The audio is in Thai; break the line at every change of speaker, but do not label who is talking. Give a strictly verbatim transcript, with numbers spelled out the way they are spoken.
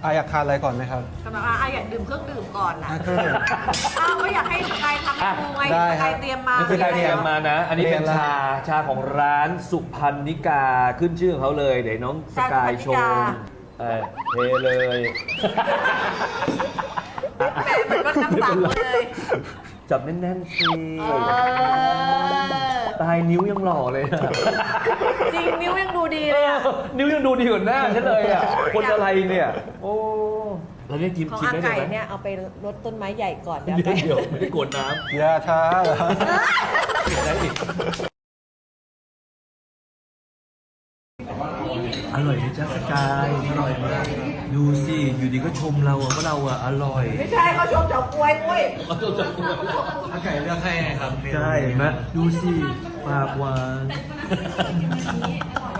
อาอยากทานอะไรก่อนไหมครับ
กำลังอาอยากดื่มเครื่องดื่มก่อนนะ
อ่ะเครื่องดื่ม
อ้าวก็อยากให้สกายทำให้ดูไง
ได้
ส
ครั
กา
บ
ยเตรียมมา
นี่คือการเตรียมมานะ อันนี้เป็น
เตรียมแล้ว
ชาชาของร้านสุพรรณิกาขึ้นชื่อของเขาเลย เดี๋ยวน้องสกายโชว์เออเทเลย
แม่เหมือนรถน้ำสังเลย
จับแน่นๆสิ
เออ
ตายนิ้วยังหล่อเลยอะ
จริงนิ้วยังดูดีเลยอะ
นิ้วยังดูดีกว่าหน้าฉันเลยอ่ะ คนอะไรเนี่ย โอ้เราเนี่ยกิน
ของ
ชิม
อา
ได้
ไก่
เลยไหม
เนี่ยเอาไปรดต้นไม้ใหญ่ก่อนเดี๋ยว
เดี๋ยว
ไป
เดี๋ยวไม่ได้กดน้
อย่าช้าเหรอ
ำเห็นได้อีกอร่อยไหมจ๊ะสกายอร่อยมากดูสิ อยู่ดีก็ชมเราอะว่าเราอะอร่อย
ไม่ใช่เขาชมเฉาก๊วยปุ้ย
อาไก่เลือกให้ครับ
ใช่เห็นไหมดูสิปากหวาน